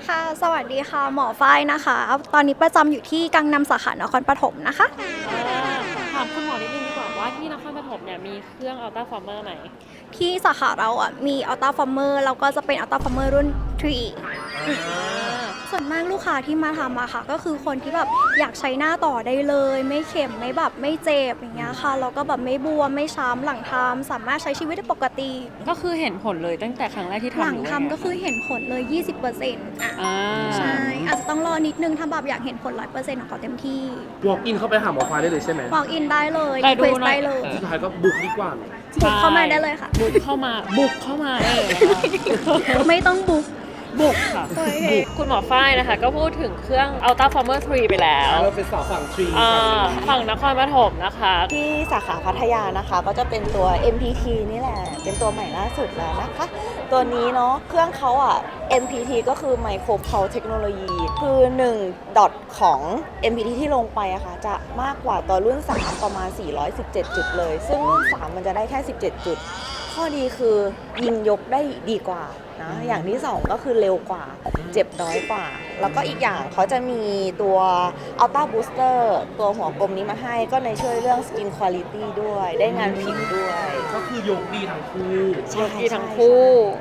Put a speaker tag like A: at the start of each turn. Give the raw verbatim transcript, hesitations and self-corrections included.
A: ค่ะสวัสดีค่ะหมอฝ้ายนะคะตอนนี้ประจำอยู่ที่กังนำสาขานครปฐมนะคะ
B: ถามคุณหมอนิดนึงดีกว่าว่าที่นครปฐมเนี่ยมีเครื่องอัลตราฟอร์เมอร์ไหม
A: ที่สาขาเราอ่ะมีอัลต้าฟอร์เมอร์แล้วก็จะเป็นอัลต้าฟอร์เมอร์รุ่นทรีส่วนมากลูกค้าที่มาทำอะค่ะก็คือคนที่แบบอยากใช้หน้าต่อได้เลยไม่เข็มไม่แบบไม่เจ็บอย่างเงี้ยค่ะแล้วก็แบบไม่บวมไม่ช้ำหลังทำสามารถใช้ชีวิตได้ปกติ
B: ก็คือเห็นผลเลยตั้งแต่ครั้งแรกที่ทำ
A: หลัง
B: รือว่า
A: ทำก็คือเห็นผลเลย ยี่สิบเปอร์เซ็นต์ อ่ะ
B: อ่า
A: ใช่อาจจะต้องรอนิดนึงถ้าแบบอยากเห็นผล ร้อยเปอร์เซ็นต์ ของเขาเต็มที่
C: walk in เข้าไปหาหมอฟ้าได้เลยใช่ไหม
A: walk in ได้เลย
B: ได้ดู
A: request
B: หน่อย
A: ได้เลย
C: สุดท้ายก็บุกดีกว่า
A: บุกเข้ามาได้เลยค่ะ
B: บุกเข้ามาบุกเข้ามาเออ
A: ไม่ต้องบุก
B: บุกค่ะ
A: โอเค
B: บุกคุณหมอฝ้ายนะคะก็พูดถึงเครื่อง Ultra Former ทรีไปแล้ว
C: เราเป็นสาวฝั่งทรี
B: อ่าฝั่งนครปฐมนะคะ
D: ที่สาขาพัทยานะคะก็จะเป็นตัว เอ็ม พี ที นี่แหละ เป็นตัวใหม่ล่าสุดแล้วนะคะ ตัวนี้เนาะเครื่องเขาอ่ะ เอ็ม พี ที ก็คือ Micro Pulse Technology คือ1ดอทของ เอ็ม พี ที ที่ลงไปอะค่ะจะมากกว่าตัวรุ่น สาม ประมาณ สี่ร้อยสิบเจ็ด จุดเลย ซึ่งรุ่น สาม มันจะได้แค่ สิบเจ็ด จุด ข้อดีคือยิงยกได้ดีกว่านะอย่างที่สองก็คือเร็วกว่าเจ็บน้อยกว่า แล้วก็อีกอย่างเขาจะมีตัว Ultra Booster ตัวหัวกลมนี้มาให้ก็ในช่วยเรื่อง Skin Quality ด้วยได้งานผิวด้วย
C: ก็คือยกดีทั้งคู่
D: ใช่
B: ดีทั้งคู่